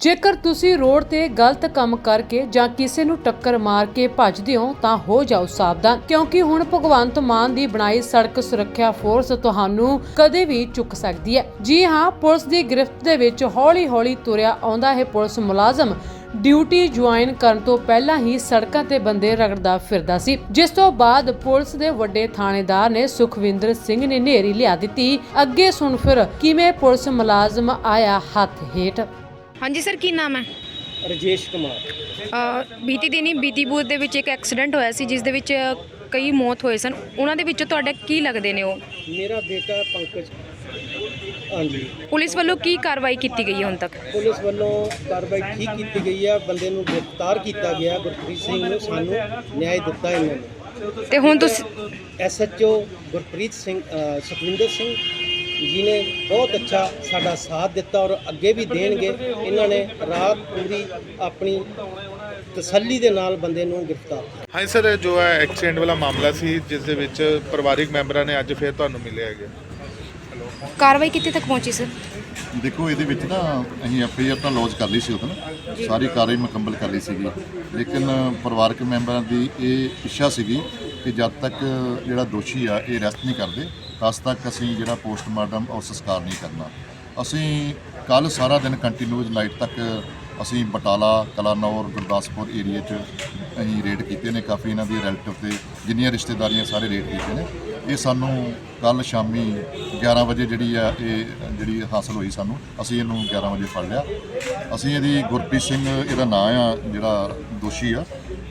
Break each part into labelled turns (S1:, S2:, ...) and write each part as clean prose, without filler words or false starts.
S1: ਜੇਕਰ ਤੁਸੀਂ ਰੋਡ ਤੇ ਗਲਤ ਕੰਮ ਕਰਕੇ ਜਾਂ ਕਿਸੇ ਨੂੰ ਟੱਕਰ ਮਾਰ ਕੇ ਭੱਜਦੇ ਹੋ ਤਾਂ ਹੋ ਜਾਓ ਸਾਵਧਾਨ, ਕਿਉਂਕਿ ਹੁਣ ਭਗਵੰਤ ਮਾਨ ਦੀ ਬਣਾਈ ਸੜਕ ਸੁਰੱਖਿਆ ਫੋਰਸ ਤੁਹਾਨੂੰ ਕਦੇ ਵੀ ਚੁੱਕ ਸਕਦੀ ਹੈ। ਜੀ ਹਾਂ, ਪੁਲਿਸ ਦੀ ਗ੍ਰਿਫਤ ਦੇ ਵਿੱਚ ਹੌਲੀ-ਹੌਲੀ ਤੁਰਿਆ ਆਉਂਦਾ ਹੈ ਪੁਲਿਸ ਮੁਲਾਜ਼ਮ ਡਿਊਟੀ ਜੁਆਇਨ ਕਰਨ ਤੋਂ ਪਹਿਲਾਂ ਹੀ ਸੜਕਾਂ ਤੇ ਬੰਦੇ ਰਗੜਦਾ ਫਿਰਦਾ ਸੀ, ਜਿਸ ਤੋਂ ਬਾਅਦ ਪੁਲਿਸ ਦੇ ਵੱਡੇ ਥਾਣੇਦਾਰ ਨੇ ਸੁਖਵਿੰਦਰ ਸਿੰਘ ਨੇ ਨੇਰੀ ਲਿਆ ਦਿੱਤੀ। ਅੱਗੇ ਸੁਣ ਫਿਰ ਕਿਵੇਂ ਪੁਲਿਸ ਮੁਲਾਜ਼ਮ ਆਇਆ ਹੱਥ ਹੇਠ।
S2: ਹਾਂਜੀ ਸਰ, ਕੀ ਨਾਮ ਹੈ?
S3: ਰਜੇਸ਼ ਕੁਮਾਰ।
S2: ਬੀਤੀ ਦਿਨੀ ਬੀਤੀਪੁਰ ਦੇ ਵਿੱਚ ਇੱਕ ਐਕਸੀਡੈਂਟ ਹੋਇਆ ਸੀ ਜਿਸ ਦੇ ਵਿੱਚ ਕਈ ਮੌਤ ਹੋਏ ਸਨ। ਉਹਨਾਂ ਦੇ ਵਿੱਚੋਂ ਤੁਹਾਡਾ ਕੀ ਲੱਗਦੇ ਨੇ ਉਹ?
S3: ਮੇਰਾ ਬੇਟਾ ਪੰਕਜ। ਹਾਂਜੀ,
S2: ਪੁਲਿਸ ਵੱਲੋਂ ਕੀ ਕਾਰਵਾਈ ਕੀਤੀ ਗਈ ਹੈ ਹੁਣ ਤੱਕ?
S3: ਪੁਲਿਸ ਵੱਲੋਂ ਕਾਰਵਾਈ ਠੀਕ ਕੀਤੀ ਗਈ ਹੈ। ਬੰਦੇ ਨੂੰ ਗ੍ਰਿਫਤਾਰ ਕੀਤਾ ਗਿਆ, ਗੁਰਪ੍ਰੀਤ ਸਿੰਘ ਨੂੰ। ਸਾਨੂੰ ਨਿਆਂ ਦਿੱਤਾ ਇਹਨਾਂ ਨੇ।
S2: ਤੇ ਹੁਣ ਤੁਸੀਂ
S3: SHO ਗੁਰਪ੍ਰੀਤ ਸਿੰਘ ਸੁਖਵਿੰਦਰ ਸਿੰਘ ਜੀ ਨੇ ਬਹੁਤ ਅੱਛਾ ਸਾਡਾ ਸਾਥ ਦਿੱਤਾ ਔਰ ਅੱਗੇ ਵੀ ਦੇਣਗੇ। ਇਹਨਾਂ ਨੇ ਰਾਤ ਪੂਰੀ ਆਪਣੀ ਤਸੱਲੀ ਦੇ ਨਾਲ ਬੰਦੇ ਨੂੰ ਗ੍ਰਿਫਤਾਰ ਕੀਤਾ।
S4: ਹਾਂ ਸਰ, ਜੋ ਹੈ ਐਕਸੀਡੈਂਟ ਵਾਲਾ ਮਾਮਲਾ ਸੀ ਜਿਸ ਦੇ ਵਿੱਚ ਪਰਿਵਾਰਿਕ ਮੈਂਬਰਾਂ ਨੇ ਅੱਜ ਫਿਰ ਤੁਹਾਨੂੰ ਮਿਲਿਆ ਹੈਗਾ।
S2: ਕਾਰਵਾਈ ਕਿੱਥੇ ਤੱਕ ਪਹੁੰਚੀ ਸਰ?
S5: ਦੇਖੋ, ਇਹਦੇ ਵਿੱਚ ਨਾ ਅਸੀਂ FIR ਤਾਂ ਲੌਂਚ ਕਰ ਲਈ ਸੀ ਉਦੋਂ, ਸਾਰੀ ਕਾਰਵਾਈ ਮੁਕੰਮਲ ਕਰ ਲਈ ਸੀਗੀ, ਲੇਕਿਨ ਪਰਿਵਾਰਕ ਮੈਂਬਰਾਂ ਦੀ ਇਹ ਇੱਛਾ ਸੀਗੀ ਕਿ ਜਦ ਤੱਕ ਜਿਹੜਾ ਦੋਸ਼ੀ ਆ ਇਹ ਅਰੈਸਟ ਨਹੀਂ ਕਰਦੇ ਤਦ ਤੱਕ ਅਸੀਂ ਜਿਹੜਾ ਪੋਸਟਮਾਰਟਮ ਔਰ ਸੰਸਕਾਰ ਨਹੀਂ ਕਰਨਾ। ਅਸੀਂ ਕੱਲ੍ਹ ਸਾਰਾ ਦਿਨ ਕੰਟੀਨਿਊਸ ਨਾਈਟ ਤੱਕ ਅਸੀਂ ਬਟਾਲਾ, ਕਲਾਨੌਰ, ਗੁਰਦਾਸਪੁਰ ਏਰੀਏ 'ਚ ਅਸੀਂ ਰੇਡ ਕੀਤੇ ਨੇ। ਕਾਫੀ ਇਹਨਾਂ ਦੀ ਰਿਲੇਟਿਵ ਤੇ ਜਿੰਨੀਆਂ ਰਿਸ਼ਤੇਦਾਰੀਆਂ ਸਾਰੇ ਰੇਡ ਕੀਤੇ ਨੇ। ਇਹ ਸਾਨੂੰ ਕੱਲ੍ਹ ਸ਼ਾਮੀ 11 ਵਜੇ ਜਿਹੜੀ ਹਾਸਲ ਹੋਈ ਸਾਨੂੰ, ਅਸੀਂ ਇਹਨੂੰ 11 ਵਜੇ ਫੜ ਲਿਆ। ਅਸੀਂ ਇਹਦੀ ਗੁਰਪ੍ਰੀਤ ਸਿੰਘ ਇਹਦਾ ਨਾਂ ਆ, ਜਿਹੜਾ ਦੋਸ਼ੀ ਆ,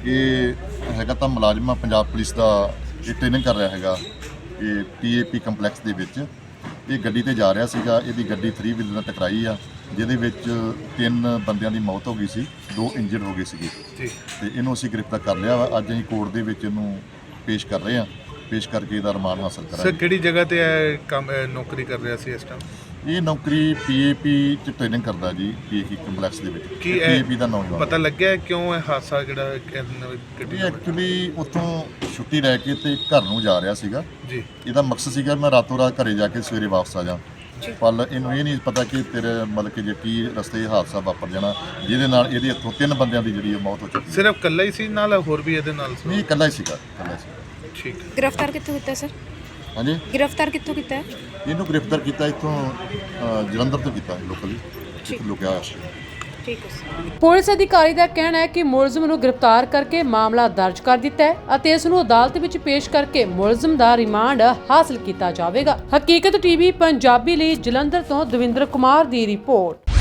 S5: ਇਹ ਹੈਗਾ ਤਾਂ ਮੁਲਾਜ਼ਮ ਆ ਪੰਜਾਬ ਪੁਲਿਸ ਦਾ। ਇਹ ਟ੍ਰੇਨਿੰਗ ਕਰ ਰਿਹਾ ਹੈਗਾ ਇਹ PAP ਕੰਪਲੈਕਸ ਦੇ ਵਿੱਚ। ਇਹ ਗੱਡੀ ਤੇ ਜਾ ਰਿਹਾ ਸੀਗਾ, ਇਹਦੀ ਗੱਡੀ 3 ਵੀਲਰ ਨਾਲ ਟਕਰਾਈ ਆ, ਜਿਹਦੇ ਵਿੱਚ 3 ਬੰਦਿਆਂ ਦੀ ਮੌਤ ਹੋ ਗਈ ਸੀ, 2 ਇੰਜਰਡ ਹੋ ਗਏ ਸੀਗੇ ਤੇ ਇਹਨੂੰ ਅਸੀਂ ਗ੍ਰਿਫਤਾਰ ਕਰ ਲਿਆ ਵਾ। ਅੱਜ ਅਸੀਂ ਕੋਰਟ ਦੇ ਵਿੱਚ ਇਹਨੂੰ ਪੇਸ਼ ਕਰ ਰਹੇ ਹਾਂ। ਪੇਸ਼ ਕਰਕੇ ਇਹਦਾ ਰਿਮਾਂਡ ਹਾਸਲ ਕਰਾਂਗੇ।
S4: ਸਰ, ਕਿਹੜੀ ਜਗ੍ਹਾ ਤੇ ਇਹ ਕੰਮ ਨੌਕਰੀ ਕਰ ਰਿਹਾ ਸੀ ਇਸ ਟਾਈਮ?
S5: ਇਹ ਨੌਕਰੀ PAP 'ਚ ਟ੍ਰੇਨਿੰਗ ਕਰਦਾ ਜੀ, PAP ਕੰਪਲੈਕਸ ਦੇ ਵਿੱਚ।
S4: ਕੀ
S5: PAP ਦਾ ਨੌਜਵਾਨ
S4: ਪਤਾ ਲੱਗਿਆ ਕਿਉਂ ਇਹ ਹਾਦਸਾ ਜਿਹੜਾ ਗੱਡੀ
S5: ਇਹ ਐਕਚੁਅਲੀ ਉੱਥੋਂ ਛੁੱਟੀ ਲੈ ਕੇ ਤੇ ਘਰ ਨੂੰ ਜਾ ਰਿਹਾ ਸੀਗਾ
S4: ਜੀ।
S5: ਇਹਦਾ ਮਕਸਦ ਸੀਗਾ ਮੈਂ ਰਾਤੋਂ ਰਾਤ ਘਰੇ ਜਾ ਕੇ ਸਵੇਰੇ ਵਾਪਸ ਆ ਜਾ, ਪਰ ਇਹਨੂੰ ਇਹ ਨਹੀਂ ਪਤਾ ਕਿ ਤੇਰੇ ਮਤਲਬ ਕਿ ਜੇ ਕੀ ਰਸਤੇ ਹਾਦਸਾ ਵਾਪਰ ਜਾਣਾ, ਜਿਹਦੇ ਨਾਲ ਇਹਦੇ ਹੱਥੋਂ 3 ਬੰਦਿਆਂ ਦੀ ਜਿਹੜੀ ਮੌਤ ਹੋ ਚੁੱਕੀ।
S4: ਸਿਰਫ ਇਕੱਲਾ ਹੀ ਸੀ ਨਾਲ ਹੋਰ ਵੀ ਇਹਦੇ ਨਾਲ ਸੀ?
S5: ਨਹੀਂ, ਇਕੱਲਾ ਹੀ ਸੀਗਾ, ਇਕੱਲਾ ਸੀ।
S4: ਠੀਕ।
S2: ਗ੍ਰਿਫਤਾਰ ਕਿੱਥੋਂ ਕੀਤਾ ਸਰ?
S5: ਹਾਂਜੀ,
S2: ਗ੍ਰਿਫਤਾਰ ਕਿੱਥੋਂ ਕੀਤਾ ਹੈ?
S5: ਇਹਨੂੰ ਗ੍ਰਿਫਤਾਰ ਕੀਤਾ ਇੱਥੋਂ ਜਲੰਧਰ ਤੋਂ ਕੀਤਾ ਲੋਕਲੀ, ਲੁਕਿਆ ਸੀ।
S2: ਠੀਕ ਹੈ ਸਰ।
S1: ਪੁਲਿਸ ਅਧਿਕਾਰੀ ਦਾ ਕਹਿਣਾ ਹੈ ਕਿ ਮੁਲਜ਼ਮ ਨੂੰ ਗ੍ਰਿਫਤਾਰ ਕਰਕੇ ਮਾਮਲਾ ਦਰਜ ਕਰ ਦਿੱਤਾ ਹੈ ਅਤੇ ਇਸ ਨੂੰ ਅਦਾਲਤ ਵਿੱਚ ਪੇਸ਼ ਕਰਕੇ ਮੁਲਜ਼ਮ ਦਾ ਰਿਮਾਂਡ ਹਾਸਲ ਕੀਤਾ ਜਾਵੇਗਾ। ਹਕੀਕਤ TV ਪੰਜਾਬੀ ਲਈ ਜਲੰਧਰ ਤੋਂ ਦਵਿੰਦਰ ਕੁਮਾਰ ਦੀ ਰਿਪੋਰਟ।